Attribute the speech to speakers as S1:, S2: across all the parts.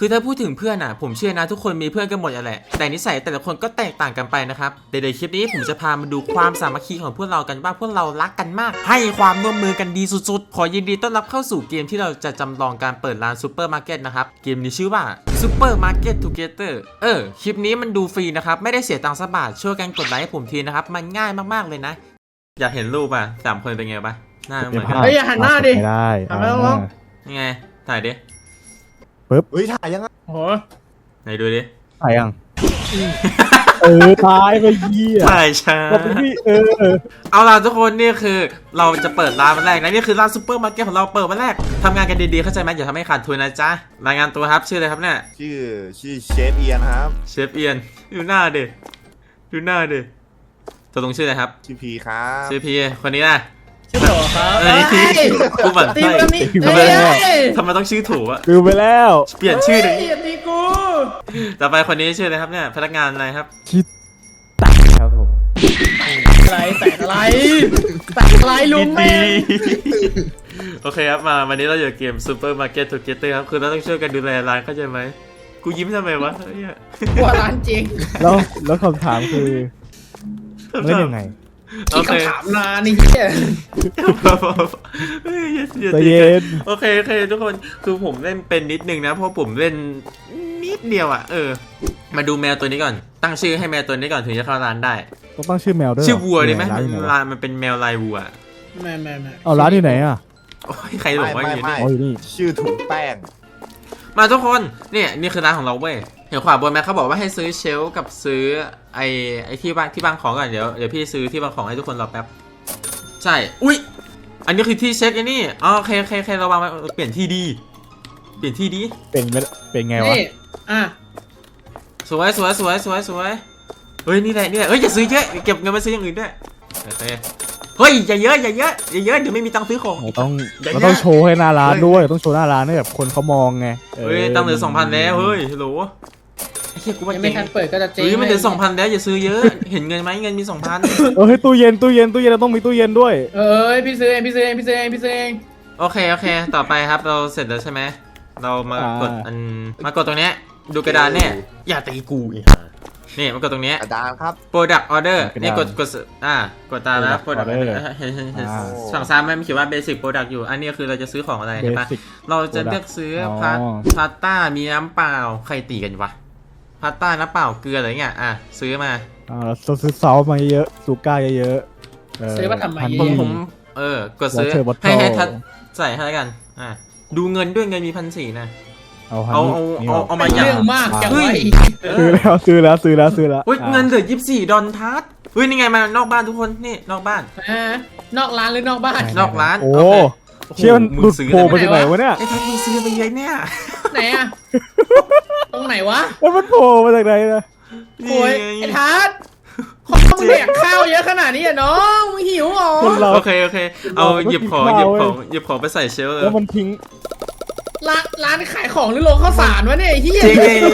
S1: คือถ้าพูดถึงเพื่อนผมเชื่อนะทุกคนมีเพื่อนกันหมดแหละแต่นิสัยแต่ละคนก็แตกต่างกันไปนะครับเดี๋ยวคลิปนี้ผมจะพามาดูความสามัคคีของพวกเรากันว่าพวกเรารักกันมากให้ความร่วมมือกันดีสุดๆขอยินดีต้อนรับเข้าสู่เกมที่เราจะจำลองการเปิดร้านซูเปอร์มาร์เก็ตนะครับเกมนี้ชื่อว่าซูเปอร์มาร์เก็ตทูเกเตอร์คลิปนี้มันดูฟรีนะครับไม่ได้เสียตังค์สักบาทช่วยกันกดไลค์ให้ผมทีนะครับมันง่ายมากๆเลยนะอยากเห็นรูป3 คนเป็นไงหน้าเหมือนกัน
S2: เฮ้ยอย่าหันหน้าดิ
S3: ไม่ได้
S2: หันไปลง
S1: ยังไงถ่ายดิ
S3: ปึ๊บ
S4: เฮ้ยถ่ายยังไง
S2: โอ้โห
S1: ไหนดูดิ
S3: ถ่ายยังตายไปเหี้ย
S1: ถ่ายช้า
S3: ก็เป็นพี่
S1: เอาล่ะทุกคนนี่คือเราจะเปิดร้านวันแรกนะนี่คือร้านซูเปอร์มาร์เก็ตของเราเปิดวันแรกทำงานกันดีๆเข้าใจไหมอย่าทำให้ขาดทุนนะจ๊ะรายงานตัวครับชื่ออะไรครับเนี่ย
S4: ชื่อเชฟเอียนครับ
S1: เชฟเอียนดูหน้าดิตัวตรงชื่ออะไรครับ
S4: ชื่อพีครับ
S1: ชื่อพีคนนี้นะ
S2: ชื่อโถครับ
S1: เอ้ยกูเหมือน
S2: ตี
S1: ไส้
S2: มันนี่เฮ้ย
S1: ทำไมต้องชื่อถูกอะ
S3: ดูไปแล้ว
S1: เปลี่ยนชื่อหนึ่ง
S2: อย่าตีกู
S1: ต่อไปคนนี้ชื่ออะไรครับเนี่ยพนักงานอะไรครับ
S3: คิดตัดครับผม
S2: อะไรแตกอะไรลุงแม่
S1: โอเคครับมาวันนี้เราอยู่เกมซูเปอร์มาร์เก็ตทูเกเตอร์ครับคือเราต้องช่วยกันดูแลร้านเข้าใจไหมกูยิ้มทำไมวะ
S2: กลัวร้านจริง
S3: แล้วคำถามคือเล่นยังไง
S1: โอ
S2: ที่
S1: เค
S2: คำถามนานนี่เฮีย
S3: ใจเย็น
S1: โอเคทุกคนคือผมเล่นเป็นนิดนึงนะเพราะผมเล่นนิดเดียวมาดูแมวตัวนี้ก่อนตั้งชื่อให้แมวตัวนี้ก่อนถึงจะเข้าร้านได้
S3: ต้องตั้งชื่อแมวด้วย
S1: ชื่อวัวดีไหม
S3: ร้านอยู่ไหน
S1: ร้านมันเป็นแมวลายวัว
S2: แม่
S3: เอาร้านอยู่ไหนอ่ะ
S1: โอ้ยใครหลงว่าอย่างนี้
S3: อ๋ออยู่นี่
S4: ชื่อถุงแป้ง
S1: มาทุกคนนี่คือร้านของเราเว้ยเห็นขวาบนแมเขาบอกว่าให้ซื้อเชลฟ์กับซื้อไอ้ที่วางของก่อนเดี๋ยวพี่ซื้อที่วางของให้ทุกคนรอแป๊บใช่อุ้ยอันนี้คือที่เช็คไอ้นี่อ๋อโอเคเราวางไว้เปลี่ยนที่ดี
S3: เป็นไงวะ
S2: นี่อ่ะ
S1: สวยเฮ้ยนี่แหละเฮ้ยอย่าซื้อเยอะเก็บเงินไปซื้ออย่างอื่นด้วยโอเคเฮ้ยอย่าเยอะเดี๋ยวไม่มีตังค์ซื้อของ
S3: เราต้องโชว์ให้หน้าร้านด้วยต้องโชว์หน้าร้านให้แบบคนเขามองไง
S1: เฮ้ยตังค์เหลือ 2,000 แล้วเฮ้ยฮัลโหลไอ้เหี้ยกูว่า
S2: ยัง
S1: เจ๊
S2: ไม่ทันเปิดก็จะเจ๊ง
S1: เฮ้ยมันเหลือ 2,000 แล้วอย่าซื้อเยอะเห็นเงินไหมเงินมี 2,000
S3: เฮ้ยตู้เย็นเราต้องมีตู้เย็นด้วย
S2: เอ้ยพี่ซื้อเอง
S1: โอเคต่อไปครับเราเสร็จแล้วใช่ไหมเรามากดมากดตรงเนี้ยดูกระดานเนี่ยอย่าตีกูอีกนี่มากดตรงเนี้ย
S4: กระดานครับ
S1: Product Order นี่กดกดตามนะ Product Order เห็นฝั่งซ้ายมันเขียนว่า Basic Product อยู่อันนี้คือเราจะซื้อของอะไรใช่ปะเราจะเลือกซื้อพาสต้ามีน้ำเปล่าใครตีกันวะพาสต้าน้ำเปล่าเกลืออะไรเงี้ยซื้อมา
S3: เราซื้อซอสมาเยอะซูก้าเยอะ
S2: ซื้อมาทำไม
S1: ผมกดซื้อให้ทัดใส่ให้กันดูเงินด้วยเงินมี 1,400 นะเอามาอย่าง
S2: เรื่องมากจังเลย
S3: ซื้อแล้ว
S1: อุ้ยเงินเหลือ$24ทัดเฮ้ยนี่ไงมานอกบ้านทุกคนนี่นอกบ้าน
S2: นอกร้านหรือนอกบ้าน
S1: นอกร้าน
S3: โอ้เชี่ยมันดูดโผล่มาจากไหนวะเนี่ย
S1: ไอ้ทัดมึงซื้อไปเยอะเนี่ย
S2: ไหนอะตรงไหนวะ
S3: แล้วมันโผล่มาจากไหนนะ
S2: โอ้ยไอ้ทัศน์มึงแดกข้าวเยอะขนาดนี้อะน้องมึงหิวเหรอ
S1: โอเคเอาหยิบของไปใส่เชลฟ์
S3: แล้วมันทิ้ง
S2: ร้านขายของหรือโรงข้าวสารวะเนี่ยไอ้เหี้ย
S1: จริงเลย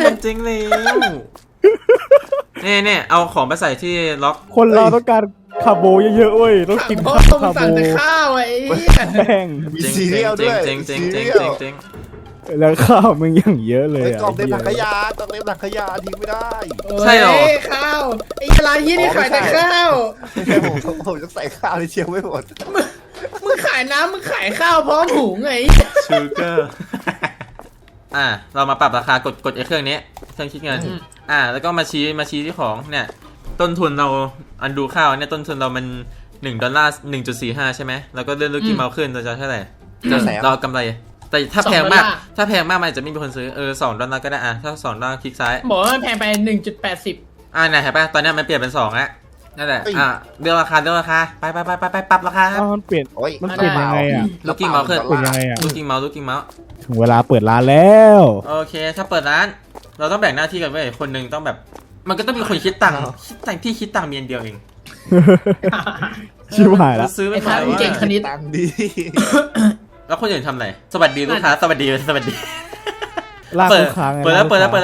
S1: เนี่ยเอาของไปใส่ที่ล็อก
S3: คนเราต้องการคาร์โบเยอะๆเว้ยต้องกิน
S2: พ่อ
S3: คา
S2: มึง
S3: ร์โบ
S2: สั่งแต่ข้าวไอ้เหี้ย
S3: แป้ง
S4: มีซีเรียลด้วย
S1: เจ๋ง
S3: แล้วข้าวมันอย่างเยอะเลย
S4: กล่องเต็มถังขยะทิ้งไม่ได้
S1: ใช่หรอ
S2: ข้าวไอ้ร้านยี่นี่ขายแต่ข้าว
S4: ผมจะใส่ข้าวในเชียวไม่หมด
S2: มึงขายน้ำมึงขายข้าวพร้อมหุงไง
S1: ชูเกอร์เรามาปรับราคากดไอ้เครื่องนี้เครื่องคิดเงินแล้วก็มาชี้ที่ของเนี่ยต้นทุนเราอันดูข้าวเนี่ยต้นทุนเรามัน$1 1.45ใช่ไหมแล้วก็เลื่อนลูกกิ้งเมาส์ขึ้นเราจะเท่าไหร่เรากำไรแต่ถ้าแพงมากมันอาจจะไม่มีคนซื้อ$2ก็ได้ถ้า$2คลิกซ้าย
S2: บอกว่ามันแพงไป 1.80
S1: ไหนเห็นป่ะตอนนี้มันเปลี่ยนเป็น2แล้วนั่นแหละเรื่องราคาไปปรับราคาครับ
S3: มันเปลี่ยนยังไงอ่ะ
S1: ลูกกิ้งเมาส์ขึ้น
S3: เปลี่ยนยังไงอ่ะ
S1: ลูกกิ้งเมาส์
S3: ถึงเวลาเปิดร้านแล้ว
S1: โอเคถ้าเปิดร้านเราต้องแบ่งหน้าที่กันเว้ยคนหนึ่งต้องแบบมันก็ต้องมีคนคิดตังค์ที่คิดตังค์มีอันเดียวเอง
S3: ชิบหายละ
S1: ซื้อไป
S2: ไอ้ทัศน์เก่งคณิต
S4: ตังค์ดี
S1: แล้วคนอื่นทำอะไรสวัสดีลูกค้าสวัสดี
S3: ลากลูกค้าไง
S1: เปิดแล้ว
S4: เปิดแล้ว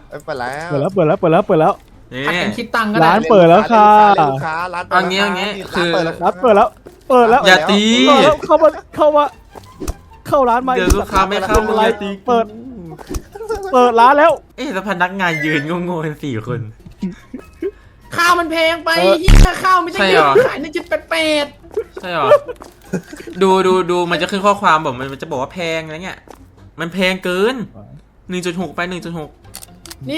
S1: นี่
S2: ผัดกันคิดตังค์ก็
S3: ร้า
S2: ได้
S3: นเปิดแล้วค่ะ
S4: ร้าน
S1: เอางี้คือ
S3: ร้านเปิดแล้ว
S1: อย่าตี
S3: เข้าร้านมา
S1: เดี๋ยวลูกค้าไม่เข้า
S3: อะไรเปิดเปิดร้านแล้ว
S1: เอ๊ะแล้วพนักงานยืนงงๆกัน4 คน
S2: ข้าวมันแพงไป
S1: เออ
S2: เฮียข้าวไม่ใช่
S1: ใช่
S2: เย
S1: เหรอ
S2: อะขาย1.88
S1: ใช่หรอ ดูมันจะขึ้นข้อความบอกมันจะบอกว่าแพงอะไรเงี้ยมันแพงเกิน 1.6 ไป 1.6
S2: นี่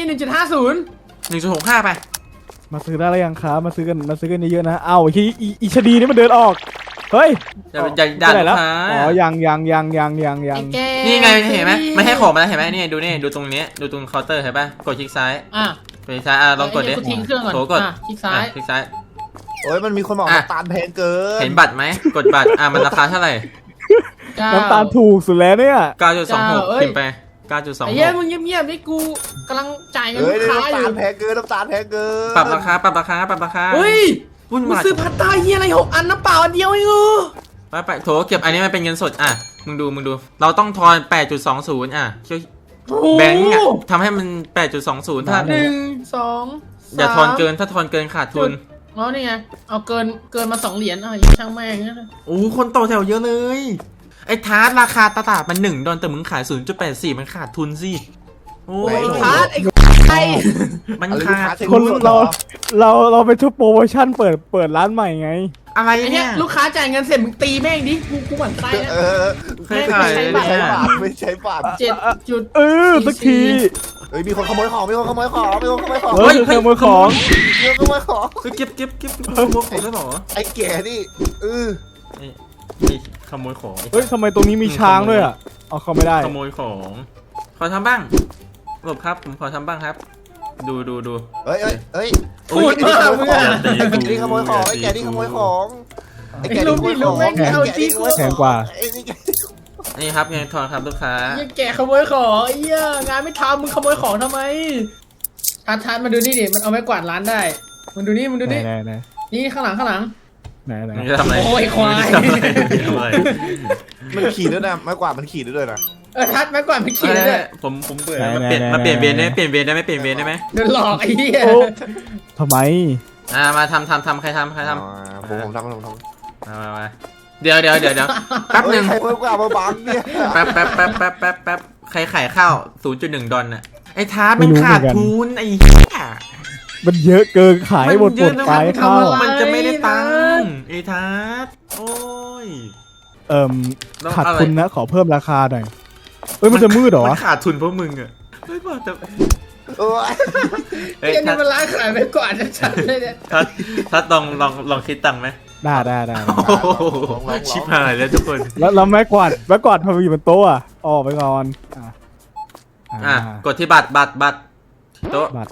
S2: 1.50
S1: 1.65 ไป
S3: มาซื้อได้แล้วยังครับมาซื้อกันเยอะๆนะเอ้าอีชดีนี่มันเดินออกเฮ้ย
S1: อย่าด่า
S3: ไปไหน
S1: ลู
S3: แล้ว
S1: กค้า
S3: อ๋อยัง
S2: ไอ้แก
S1: นี่ไงเห็นไหมมันให้ของมาแล้วเห็นไหมนี่ดูนี่ดูตรงนี้ดูตรงเคาน์เตอร์เห็นป่ะกดคลิกซ้าย
S2: อ่ะ
S1: กดคลิกซ้ายลองกดดิ
S2: ไอ้เนี่ยกูทิ้งเครื่องก่อน
S1: โถกด
S2: อ่ะคลิกซ้าย
S1: คลิกซ้าย
S4: โอ้ยมันมีคนบอก
S1: อ่ะ
S4: น้ำตาลแพงเกิน
S1: เห็นบัตรไหมกดบัตรมันราคาเท่าไหร่
S3: น้ำตาลถูกสุดแล้วเนี่ย
S1: 9.26 พิมพ์ไป
S2: ไอ้เหี้ย
S1: 9.26
S2: มึงเงียบๆนี่กูกำลังจ่ายเงิน
S4: เฮ้
S2: ลู
S4: ย
S2: กค้าอ
S4: น้ำตา
S2: ยู่
S4: ลแพงเกินน้ำตาลแพงเกิน
S1: ปรับราคา
S2: เฮ้ย
S1: วุ่น
S2: มึง
S1: วาย
S2: ซื้อพัตตาเฮียอะไร6 อันน้ำเปล่าอันเดียวเองเหรอ
S1: ไปโถเก็บอันนี้มันเป็นเงินสดมึงดูเราต้องทอน 8.20ช่วยแบงค์ทำให้มัน 8.20ถ้า
S2: 1 2
S1: อย่าทอนเกินถ้าทอนเกินขาดทุน
S2: อ๋อนี่ไงเอาเกินมา2 เหรียญช่างแม่งนะ
S1: โอ้คนต่อแถวเยอะเลย ไอ้ทาร์ตราคาตลาดมัน$1แต่มึงขาย 0.84 มันขาดทุนสิโอ้ย
S2: ไอ้พาร์ทไอ้ไอ้
S1: มัน
S4: อะไร
S1: ขาด
S4: ลูก
S3: คน
S4: ค้า
S3: เราไปทุบโปรโมชั่นเปิดร้านใหม่ไง
S1: อะไร
S2: ไอ้เนี่
S1: เนี่ย ย
S2: ลูกค้าจ่ายเงินเสร็จมึงตีแม่งดิกูหวั่นไส้นะ
S4: เออ
S1: เคยขาย
S4: ไม่ใช้บาทไม่ใช้บาท
S2: 7 จุด
S3: สักที
S4: เฮ้ยมีคนขโมยของมีคนขโมยของมีคนขโมยของ
S3: เฮ้ยขโมยของ
S4: มีคนขโมยของ
S1: เก็บขโมยของได้หรอ
S4: ไอ้แก่นี่
S1: ไอ้ขโมยของ
S3: เฮ้ยทำไมตรงนี้มีช้างด้วยอ่ะเอาเข้าไม่ได้
S1: ขโมยของขอทำบ้างหลบครับผมขอทำบ้างครับ ดู
S4: เฮ้ยเฮ้ย
S2: พูดมากมึงอ่ะ
S4: ไอ้แก่นี่ขโมยของไอ้แก่นี่ขโมยของไอ้แก่นี่ขโมยของ
S3: แพงกว่า
S4: ไอ้นี่
S1: นี่ครับเงินทอนครับลูกค้า
S2: ไอ้แกขโมยของไอ้เหี้ยงานไม่ทำมึงขโมยของทำไมทัดมาดูนี่ดิมันเอาไม้กวาดร้านได้มึงดูนี่
S3: ไหน
S2: นี่ข้างหลัง
S3: ไหน
S1: มึงจะทำอะไร
S2: โอ้ยควาย
S1: มึงจะทำอะไร
S4: มันขี่ด้วยนะไม้กวาดมันขี่ด้วยนะ
S2: ทัดไม้กวาดไม่ขี่เลยด้วย
S1: ผมเบื่อมาเปลี่ยนเวรได้ไหมเปลี่ยนเวรได้ไหม
S2: โดนหลอกไอ้เหี้ย
S3: โอ้ทำไม
S1: มาทำใครทำ
S4: ผมทำ
S1: มาเดี๋ยวแป๊บหนึ่ง
S4: ใครเพิ่มกว่ามาบังเนี่ย
S1: แป๊บใครขายข้าว $0.1 น่ะไอ้ท้ามันขาดทุนไอ้เหี้ย
S3: มันเยอะเกินขายหมดไปข้าว
S1: มันจะไม่ได้ตังค์ไอ้ท้าโอ้ย
S3: ขาดทุนนะขอเพิ่มราคาหน่อยเอ้ยมันจะมืดเหรอ
S1: มันขาดทุนเพราะมึงอะไม่พอแต่
S4: โอ้ย
S1: เฮ้ย
S2: เหี้ยนี่มันร้านขายไม้กวาดชัดๆเลยเนี่ย
S1: ถ้าลองคิดตังค์ไหม
S3: ได้
S1: โอ้โหชิบหายแล้วทุกคน
S3: แล้วไม้กวาดทำไมอยู่บนโต๊ะอ่ะออกไปก่อน
S1: กดที่บัตรโต๊ะ
S3: บัตร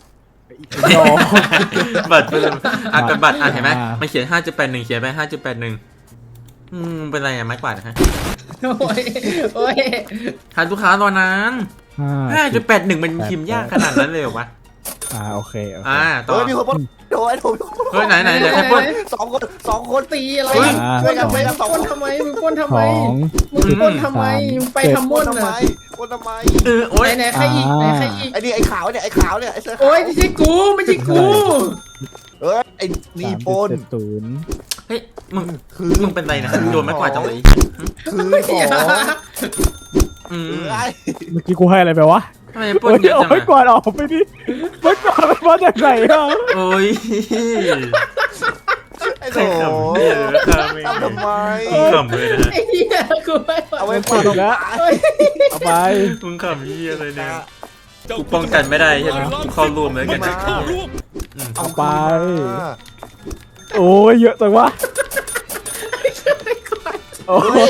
S1: บัตรเพิ่มกดบัตรเห็นไหมมันเขียน 5.81 เขียนไป 5.81เป็นไรไม้กวาดฮะ
S2: โอ้ย
S1: ทานลูกค้ารอนาน 5.81 มันพิมพ์ยากขนาดนั้นเลยเหรอวะ
S3: โอเค
S1: ต่อ
S4: เฮ้ยมีคนปล้นโดนผม
S1: เฮ้ยไหนเดี๋ยวใครปล้น
S4: สองคน
S2: ตีอะไร
S1: เฮ้ย
S2: ช่วยกันไปมึงปล้นทำไมมึงปล้นทำไม
S3: ของ
S2: มึงปล้นทำไมมึงไปทำม่น
S4: ทำไม
S2: น่ะ
S4: ปล้นทำไม
S1: โอ้ย
S2: ไหนใครอีกใครอีก
S4: ไอ้นี่ไอ้ขาวเนี่ยไอ้เสื้อ
S2: โอ้ยไม่ใช่กูไม่ใช่กู
S4: เอ้ยไอ้นี่ปล้น
S1: เฮ้ยมึงเป็นไรนะโดนไม้กวาดจังเลย
S4: คือของ
S3: เมื่อกี้กูให้อะไรไปวะ
S1: ทำไมปล้นเยอะจัง
S3: ไม้กวาดออกไปดิไม้กวาดมันมาจากไหนอ่ะ
S1: โอ้ย
S4: ไอ้
S1: ใคร
S4: โห
S1: ขำเนี่ย
S4: ทำไม
S1: ขำเลยนะ
S2: ไอ้เหี้ยกูไม่ไหว
S4: เอาไว้
S3: กวาดแล้วเอาไป
S1: มึงขำเหี้ยเลยเนี่ยกูป้องกันไม่ได้ใช่ไหมกูเข้าร่วมเลยกัน
S3: เอาไป โอ้ยเยอะจังวะโอ้ย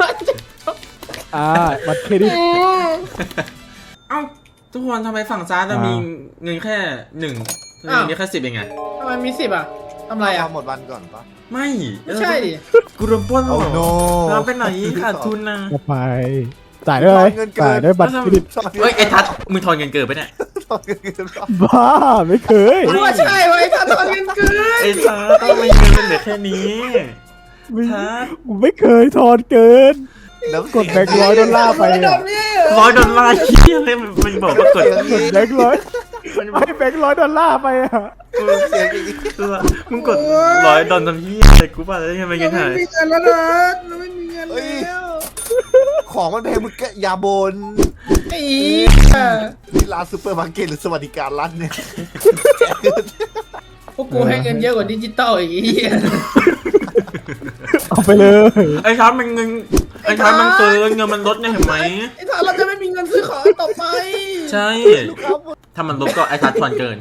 S3: บัตรเครดิต
S1: เอ้าทุกคนทำไมฝั่งซ้ายเรามีเงินแค่1มีแค่10เองไง
S2: ทำไมมี10อ่ะทำไรอ่ะ
S4: หมดวันก่อนปะ
S1: ไม่
S2: ไม่ใช่ดิ
S1: กูโดนปล้นหร
S4: โอ้
S1: อ
S4: โน
S1: เราไปไหนขาดทุนนะ
S3: เอาไปจ่ายด้วยอะไรจ่ายด้วยบัตรเครดิต
S1: เฮ้ยไอ้ทัศน์มึงทอนเงินเกินไปเนี่ย
S3: บ้าไม่เคย
S2: กูว่าใช่ไว้ถ้าตอนเงินเกิน
S1: ไอ้ทัศน์ต้องมีเงินเหลือแค่นี้ทัศน์
S3: ไม่เคยทอนเกินกดแบงค์$100ไป
S2: แบ
S3: อ่ะ
S2: บนี้
S1: $100เหี้ยเลยมันบอกว่ากด
S3: กดแบงค์100ให้แบงค์$100ไปอ่ะ
S1: มึงกด$100ทำเหี้ยอะไรกูป่ะแล้วยังไงเงินหาย
S2: ไม่มีเงินแล้วนะเราไม่มีเงินแล้ว
S4: ของมันแพงมึงแกอย่าบน
S2: ไอ้
S4: ร้านซูเปอร์มาร์เก็ตหรือสวัสดิการรัฐเนี่ย
S2: พวกกูให้เงินเยอะกว่าดิจิตอลอีกไอ้เหี้ย
S3: เอาไปเลย
S1: ไอ้ทัศน์มันเงินไอ้ทัศน์มันเกินเงินมันลดเนี่ยเห็นไหม
S2: ไอ้ทานเราจะไม่มีเงินซื้อของต่อไป
S1: ใช่ ถ้ามันลบก็ไอ้ทัศน์ทอนเกิน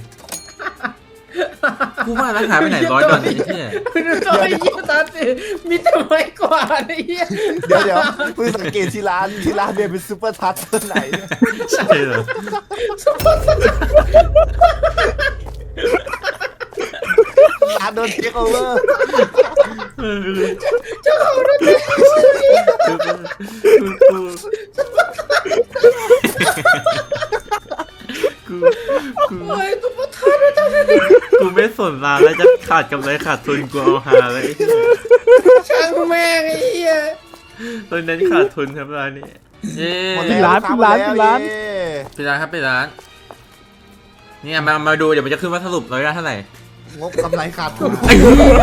S1: กูว่าแล้วหายไปไหน100 ดอลลาร์ไอ้เหี้ย
S2: ไม่รู้ตัวไอ้เหี้ยตาสิมีแต่ไม้กวาดไอ้เหี้ย
S4: เดี๋ยวมึงสังเกตที่ร้านเนี่ยเป็นซูเปอร์ทัชตัวไหนเนี่ย
S1: ใช่เหรอ
S4: ร้านโดนเทคโอเวอร์
S2: เจ้าของรถ
S1: กู
S2: โอ้ยซุปเปอร์ทัชนะจ๊ะ
S1: กูไม่สนร้านแล้วจะขาดกำไรขาดทุนกูเอาหาเลย
S2: ช่างแม่งไอ้เหี้ย
S1: ตอนนั้นขาดทุนครับร้านนี้เย้
S4: หมด
S3: ปิด
S4: แล้ว
S3: ร้าน
S4: ลูกค้
S3: ปิดร้าน
S4: หมดแล้ว
S1: ปิดร้านครับปิดร้านเนี่ยมาดูเดี๋ยวมันจะขึ้นว่าสรุป100 ได้เท่าไหร่
S4: งบกำไรขาดทุน
S1: ไอ้เหี้ย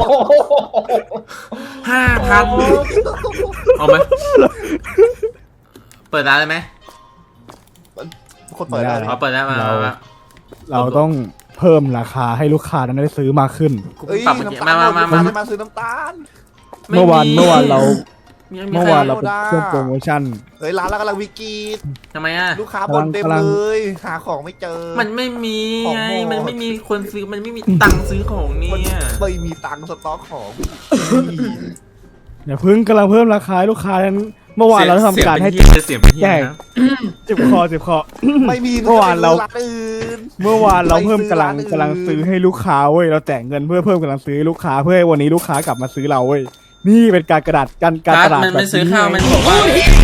S1: 5,000เอาไหมเปิดร้านเลยไหม
S4: คนเปิดได้
S1: เอาเปิดได้มา
S3: เราต้องเพิ่มราคาให้ลูกค้านั้นได้ซื้อมากขึ้น
S4: เอ้ย
S1: ปรับเมื่อกี้
S4: น้ำตาล
S1: มา
S4: มาซื้อน้ำตาล
S3: เมื่อวานเรา
S1: มี
S3: เมื่อ
S1: ใคร
S3: วานเราเป็นเครื่องโปรโมชั่น
S4: เฮ้ยร้านเรากำลังวิกฤต
S1: ทำไมอ่ะ
S4: ลูกค้าบ่นเต็ม
S3: กำลัง
S4: เลยหาของไม่เจอ
S1: มันไม่มี
S4: ของ
S1: ไง
S4: หมด
S1: มันไม่มีคนซื้อมันไม่มีตังค์ซื้อของเนี่
S4: มัน
S1: ย
S4: ไม่มีตังค์สต็อกของ
S3: อย่าเพิ่งกำลังเพิ่มราคาให้ลูกค้านั้นเมื่อวานเราทำการให้
S1: เสียงเป็นเหี้ย
S3: แจก
S1: นะ
S3: เจ็บคอเจ็บคอ
S4: ไม่มี
S3: เมื่อวานเรา
S4: ร้านอื่น
S3: เมื่อวานเราเพิ่ม
S4: ไปซื้อร้านอื่น
S3: กำลังซื้อให้ลูกค้าเว้ยเราแจกเงินเพื่อเพิ่มกำลังซื้อให้ลูกค้าเพื่อให้วันนี้ลูกค้ากลับมาซื้อเราเว้ยนี่เป็นการกระดาษการตลาด
S1: มัน
S3: แบบ
S1: ไม่ซื้อ
S3: นี้
S1: ข้าวมันบอกว่า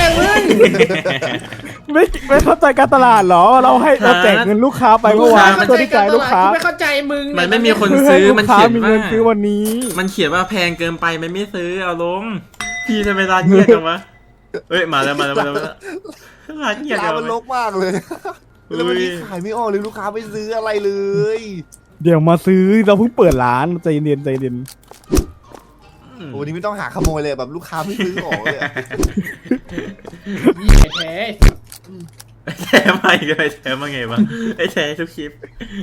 S3: ไม่เข้าใจการตลาดเหรอเราให้เราแจกเงินลูกค้าไปเมื่อวาน
S1: มัน
S3: เพื่อที่จะให้ลูกค้า
S2: ไม่เข้าใจมึง
S1: มันไม่มีคน
S3: เพื่อให้
S1: ซื้อ
S3: ลู
S1: มัน
S3: กค้า
S1: เขียน
S3: มี
S1: ว่า
S3: เงินซื้อวันนี้
S1: มันเขียนว่าแพงเกินไปมันไม่ซื้อเอาลงพี่ทำไมร้านเงียบจังวะเอ้ยมาแล้วร้านเงียบ
S4: ร้า
S1: จั
S4: น
S1: ง
S4: มันร
S1: วะ
S4: กมากเลย แล้ววันนี้ขายไม่ออกเลยลูกค้าไม่ซื้ออะไรเลย
S3: เดี๋ยวมาซื้อเราเพิ่งเปิดร้านใจเย็นใจเย็น
S4: วันนี้ไม่ต้องหาขโมยเลยแบบลูกค้าไม่ซื้อของเลยอะ
S2: แท้
S1: แชร์มาอีกเลยแชร์มาไงวะไอ้แชร์ทุกคลิป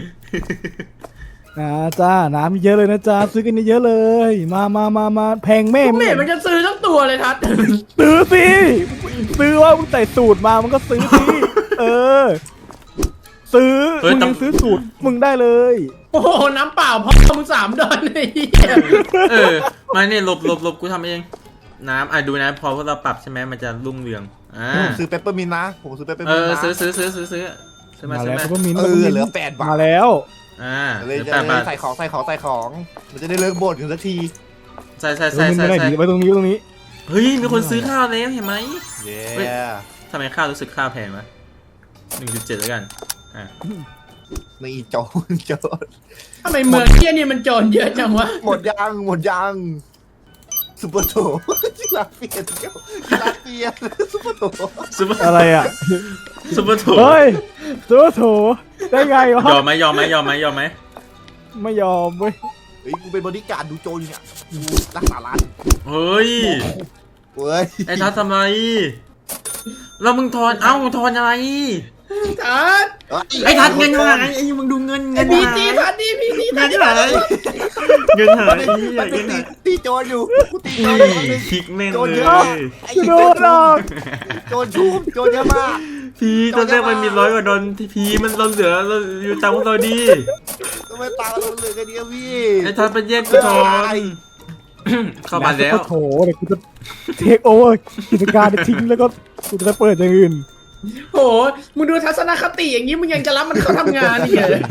S3: นะจ้าน้ำมีเยอะเลยนะจ้าซื้อกันเยอะๆเลย มาแพงแม่
S2: ไม่เห็นมันจะซื้อทั้งตัวเลยทัด
S3: ซื้อสิซื้อว่ามึงใส่สูตรมามึงก็ซื้อสิเออ ซื้อมึงยังซื้อสูตรมึงได้เลย
S2: โอ้โหน้ำเปล่าพ่อมึง3 ดอลไอ้เหี้ย
S1: มาเนี่ยหลบกูทำเองน้ำดูนะพอพวกเราปรับใช่ไหมมันจะรุ่งเรือง
S4: ผมซื้อเปปเปอร์มินต์นะผมซื้อเปปเปอร์มินต์นะ
S1: ซื้อมา
S3: มา
S1: ซื้อ
S3: แล้ว
S1: มา
S3: ก็มิน
S4: เหลือ8 บาท
S3: มาแล้ว
S4: เลย
S1: เหลือ
S4: จะ
S1: 8 บาท
S4: ใส่ของมันจะได้เลิกบ่นกันสักที
S1: ใส่
S3: มินไม่ได้ดีไว้ตรงนี้
S1: เฮ้ยมีคนซื้อข้าวแล้วเห็นไหม
S4: เย้
S1: ทำไมข้าวรู้สึกข้าวแพงวะ1.7แล้วกัน
S4: นี่โจร
S2: ทำไมเมืองเหี้ยนี่มันโจรเยอะจังวะ
S4: หมดยังซุปเปอร์โถที่ร้านเปลี่ยนที่ร้านเปลี่ยนซุปเปอร์โถ
S3: อะไรอ่ะ
S1: ซุปเปอร์โถ
S3: เฮ้ยตัวโถได้ไงวะ
S1: ยอมไหม
S3: ไม่ยอมเว้ย
S4: เฮ้ยกูเป็นบริการดูโจรอยู่เนี่ยกูรักษาร้าน
S1: เฮ้ย
S4: เว้ย
S1: ไอ้ทัศน์ทำไรแล้วมึงทอนทอนอะไร
S2: ทัด
S1: ไอ้ทัศน์เงินหายไอ้มึงดูเงิน
S2: ไอ้พีจีทัดดิพีจีทัด
S1: เงินหาย
S4: ตีโจรอยู่กูตีโจร
S1: คลิกแม่งเลย
S3: โดนหรอก
S4: โจรชุบโจรเยอะมาก
S1: พีตอนแรกมันมี100 กว่าดอลพีมันเราเหลือเราอยู่ตามพวกเราดี
S4: ทำไมตาเราเหลือกันเดียวพี่
S1: ไอ้ทัศน์เป็นแย่งกูทอนเข้ามาแล้ว
S3: โถเดี๋ยวกูจะเทคโอเวอร์กิจการทิ้งแล้วก็กูจะเปิดอย่างอื่น
S2: โหมึงดูทัศนคติอย่างนี้มึงยังจะรับมันเข้าทำงานอีกเหรอ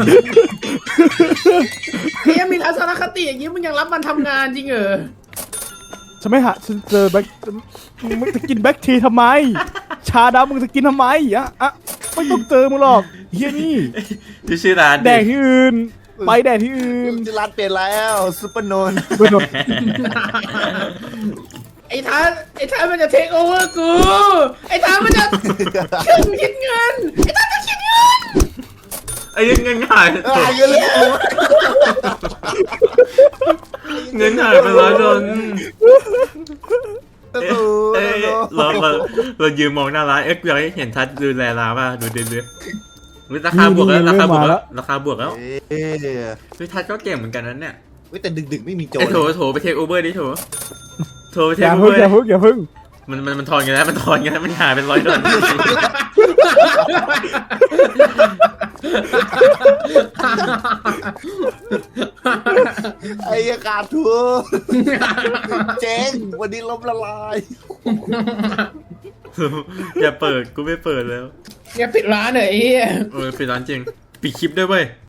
S2: เฮียมีทัศนคติอย่างนี้มึงยังรับมันทำงานจริงเหรอ
S3: ฉันไม่หาฉันเจอแบ็คมึงจะกินแบ็คทีทำไม ชาดำมึงจะกินทำไมอะไม่ต้องเจอมึงหรอกเฮียนี่
S1: ชื่อร้าน
S3: แดกที่อื่นไปแดกที่อื่น
S4: ร้านเปลี่ยนแล้วซุปเปอร์โนน
S2: ไอ้ทัศมันจะเทคโอเวอร์กูไอ้ทัศมันจะคิดเงินไอ้ทัศจะคิดเงิน
S1: ไอ้เงินหาย
S4: เยอะเลย
S1: เงินหายไป100 ดอลเรายืนมองหน้าร้านอยากให้เห็นทัศน์ดูแลร้านป่ะดูเดือดราคาบวกแล้ว
S3: นี่
S1: ราคาบวก
S3: เริ่มมาแล้
S1: แล้ว วราคาบวกแล้ว
S4: เอ๊ะ
S1: เฮ้ยทัดก็เก่งเหมือนกันนั้นเนี่ย
S4: เว้ยแต่ดึกๆไม่มีโจร
S1: ไอ้โถไปเทคโอเวอร์ดิโถไปเท
S3: อ
S1: ค
S3: ย่า
S1: โอเว
S3: พึ่
S1: อง ร์
S3: อย่าพึ่งอย่าพึ่ง
S1: มันทอนกันแล้วมันทอนกันแล้วมันหายเป็น$100
S4: ไอ้ยาขาดทุนเจ๊งวันนี้ล้มละลาย
S1: อย่าเปิดกูไม่เปิดแล้ว
S2: อย่าปิดร้านเลยไอ้เหี้ย
S1: ปิดร้านจริงปิดคลิปด้วยเว้ย